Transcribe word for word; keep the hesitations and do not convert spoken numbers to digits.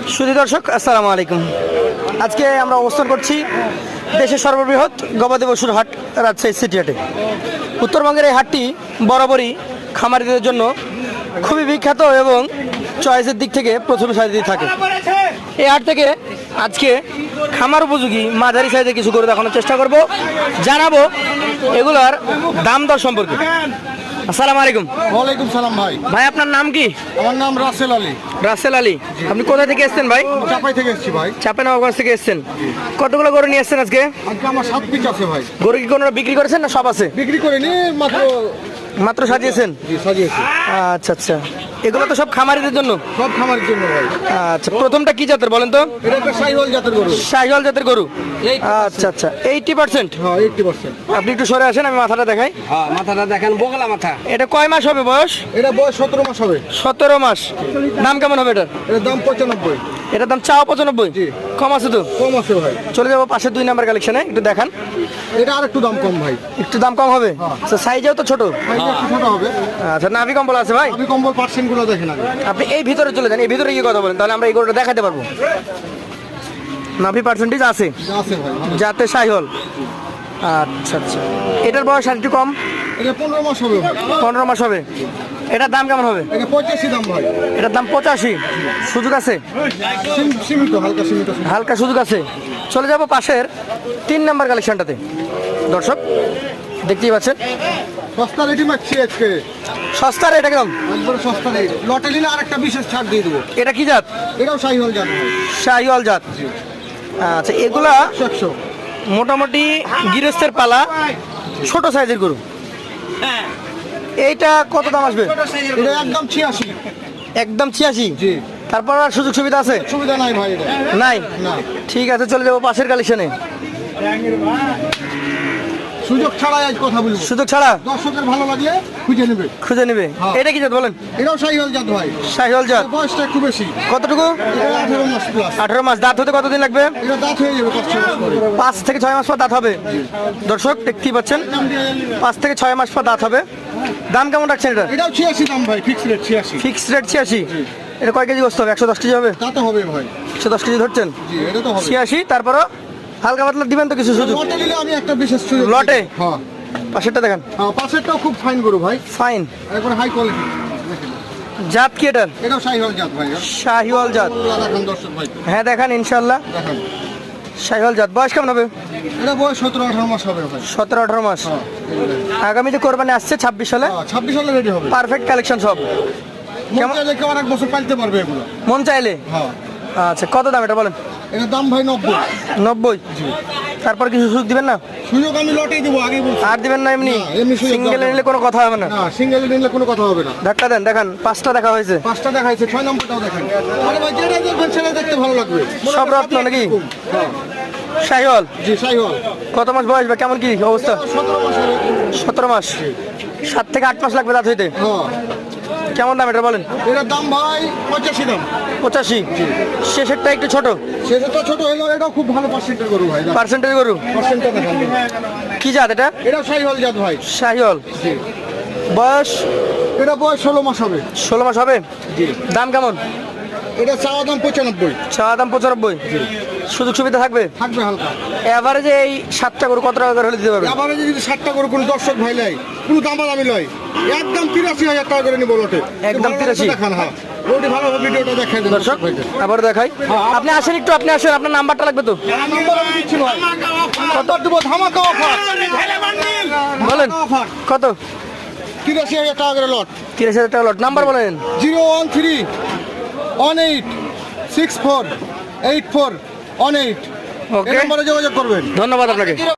সুধী দর্শক আসসালামু আলাইকুম। আজকে আমরা অবস্থান করছি দেশের সর্ববৃহৎ গবাদি পশুর হাট রাজশাহী সিটি হাটে। উত্তরবঙ্গের এই হাটটি বরাবরই খামারিদের জন্য খুবই বিখ্যাত এবং চয়েসের দিক থেকে প্রথম সারিতে থাকে। এই হাট থেকে আজকে খামার উপযোগী মাঝারি সাইজে কিছু করে দেখানোর চেষ্টা করব, জানাবো এগুলার দাম দর সম্পর্কে। আসসালামু আলাইকুম। ওয়ালাইকুম সালাম ভাই। ভাই আপনার নাম কি? আমার নাম রাসেল আলী। রাসেল আলী, আপনি কোথা থেকে এসেছেন ভাই? চাপাই থেকে এসেছি ভাই। চাঁপাইনবাবগঞ্জ থেকে এসেছেন। কতগুলো গরু নিয়ে এসেছেন আজকে? আজকে আমার সাত পিস আছে ভাই। গরু কি কোনো বিক্রি করেছেন না সব আছে? বিক্রি করিনি, মাত্র মাত্র সাজিয়েছেন? জি, সাজিয়েছি। আচ্ছা আচ্ছা, এগুলো তো সব খামারিদের জন্য? সব খামারের জন্য ভাই। আচ্ছা, প্রথমটা কি জাতের বলেন তো? এটা একটা শাহিওয়াল জাতের গরু। শাহিওয়াল জাতের গরু। আচ্ছা আচ্ছা, এইটি পার্সেন্ট। হ্যাঁ, এইটটি পার্সেন্ট। আপনি একটু সরে আসেন, আমি মাথাটা দেখাই। হ্যাঁ, মাথাটা দেখেন, বগলা মাথা। এটা কয় মাস হবে বয়স? এটা বয়স সতেরো মাস হবে। সতেরো মাস। দাম কেমন হবে এটার? এটার দাম পঁচানব্বই। এটার দাম চাও পঁচানব্বই? জি। কম আছে তো? কম আছে ভাই। চলে যাবো পাশে দুই নাম্বার কালেকশনে, একটু দেখান। এটা আর একটু দাম কম ভাই। একটু দাম কম হবে? সাইজেও তো ছোট। সাইজটা একটু ছোট হবে। আচ্ছা, নাভি কম্বল আছে ভাই? আমি কম্বল পার্সেন্ট গুলো দেখেন আগে। আপনি এই ভিতরে চলে যান, এই ভিতরে গিয়ে কথা বলেন, তাহলে আমরা এই গরুটা দেখাতে পারবো। নাভি পার্সেন্টেজ আছে আছে ভাই, ভালো। যাতে শাহিওয়াল। আচ্ছা আচ্ছা, এটার বয়স আর একটু কম, এটা পনেরো মাস হবে ভাই। পনেরো মাস হবে। এটার দাম কেমন হবে? এটা পঁচাশি দাম ভাই। এটার দাম পঁচাশি। সুযোগ আছে? সীম- সীমিত, হালকা সীমিত। হালকা সুযোগ আছে। চলে যাব পাশের তিন নাম্বার কালেকশনটাতে। দর্শক দেখতেই পাচ্ছেন, সস্তা রেটই মারছি আজকে। সস্তা রেট একদম। একবারে সস্তা রেট। লটে নিলে আর একটা বিশেষ ছাড় দিয়ে দেবো। এটা কি জাত? এটাও শাহিওয়াল জাত ভাই। শাহিওয়াল জাত। আচ্ছা, এগুলা একশো একশো। মোটামুটি গৃহস্থের পালা, ছোট সাইজের গরু। এইটা কত দাম আসবে? এটা একদম ছিয়াশি। একদম ছিয়াশি? জি। তারপর আর সুযোগ সুবিধা আছে? সুবিধা নাই ভাই এটা। নাই? না। ঠিক আছে, চলে যাবো পাশের কালেকশনে। সুযোগ ছাড়াই আজ কথা বলবো। সুযোগ ছাড়া দর্শকের ভালো লাগলে খুঁজে নেবে। খুঁজে নেবে। হ্যাঁ। এটা কি জাত বলেন? এটাও শাহিওয়াল জাত ভাই। শাহিওয়াল জাত। এর বয়সটা একটু বেশি। কতটুকু? এটা আঠারো মাস প্লাস। আঠারো মাস। দাঁত হতে কতদিন লাগবে? এটা দাঁত হয়ে যাবে পাঁচ ছয় মাস পরে। পাঁচ থেকে ছয় মাস পর দাঁত হবে। দর্শক দেখতেই পাচ্ছেন, পাঁচ থেকে ছয় মাস পর দাঁত হবে। দাম কেমন রাখছেন এটা? এটাও ছিয়াশি দাম ভাই, ফিক্স রেট ছিয়াশি। ফিক্সড রেট ছিয়াশি। এটা কয় কেজি বসতে হবে? একশো দশ কেজি হবে? তা তো হবে ভাই। একশো দশ কেজি ধরছেন? জি, এটা তো হবে। ছিয়াশি। তারপরও হালকা পাতলা দিবেন তো কিছু সুযোগ? লটে নিলে আমি একটা বিশেষ সুযোগ লটে? দিই। হ্যাঁ। পাশেরটা দেখান। হ্যাঁ, পাশেরটাও খুব ফাইন গরু ভাই। ফাইন। একবার হাই কোয়ালিটি। দেখেন, জাত কি এটার? এটাও শাহিওয়াল জাত ভাই। শাহিওয়াল জাত। গরুগুলো দেখান দর্শক ভাই। হ্যাঁ দেখান, ইনশাল্লাহ দেখেন, শাহিওয়াল জাত। বয়স কেমন হবে? এটা বয়স সতেরো আঠারো মাস হবে ভাই। সতেরো আঠারো মাস। হ্যাঁ, আগামীতে কোরবানি আসছে ছাব্বিশ সালে। হ্যাঁ, ছাব্বিশ সালে রেডি হবে। পারফেক্ট কালেকশন সব। মন কেমন? চাইলে কেউ আর এক বছর পালতে পারবে এগুলো। মন চাইলে? হ্যাঁ। আচ্ছা, কত দাম এটা বলেন? এটার দাম ভাই নব্বই। নব্বই। তারপর কিছু সুযোগ দিবেন না? সুযোগ আমি লটেই দেবো, আগেই বলছি। আর দিবেন না এমনি? না, এমনি সুযোগ সিঙ্গেল দেওয়া নিলে কোনো কথা হবে না? না, সিঙ্গেল নিলে কোনো কথা হবে না। ধাক্কা দেন, দেখান। পাঁচটা দেখা হয়েছে। পাঁচটা দেখাইছে, ছয় নম্বরটাও দেখেন। আরে ভাই, যেটা দেখবেন সেটা দেখতে ভালো লাগবে। সব রত্ন নাকি? হ্যাঁ। শাহিওয়াল। জি, শাহিওয়াল। কত মাস বয়স বা কেমন কি অবস্থা? সতেরো মাস হবে। সতেরো মাস। সাত থেকে আট মাস লাগবে দাঁত হইতে। হ্যাঁ। কেমন দাম এটা বলেন? এটার দাম ভাই পঁচাশি দাম। পঁচাশি। শেষেরটা একটু ছোট। সেটা তো ছোট হলো, এটাও খুব ভালো পার্সেন্টের গরু ভাই। পার্সেন্টেজ গরু। পার্সেন্টটা দেখেন। কি জাত এটা? এটাও শাহিওয়াল জাত ভাই। শাহিওয়াল। জি। বয়স এটা বয়স ষোলো মাস হবে। ষোলো মাস হবে। জি। দাম কেমন? এটা চাওয়া দাম পঁচানব্বই। চাওয়া দাম পঁচানব্বই। সুযোগ সুবিধা থাকবে? থাকবে হালকা। এভারেজে এই সাতটা গরু কত টাকা করে হলে দিতে পারবে? আবার যদি ষাটটা করে কোনো দর্শক ভাই লাই, কোনো দাম আমি লয়, একদম তিরাশি হাজার টাকা করে নিবো লটে। একদম তিরাশি? দেখান। হ্যাঁ, ওটি ভালোভাবে ভিডিওটা দেখাই দেন দর্শক আবার দেখাই। আপনি আসেন একটু, আপনি আসেন, আপনার নাম্বারটা লাগবে তো? নাম্বার আমি দিচ্ছি ভাই। কত দেবো? ধামাকা অফার। বলেন কত? তিরাশি হাজার টাকা করে লট। তিরিশ হাজার টাকা লট। নাম্বার বলেন। Zero one three one eight six four eight four one eight. Okay, এই নম্বরে যোগাযোগ করবেন। ধন্যবাদ আপনাকে।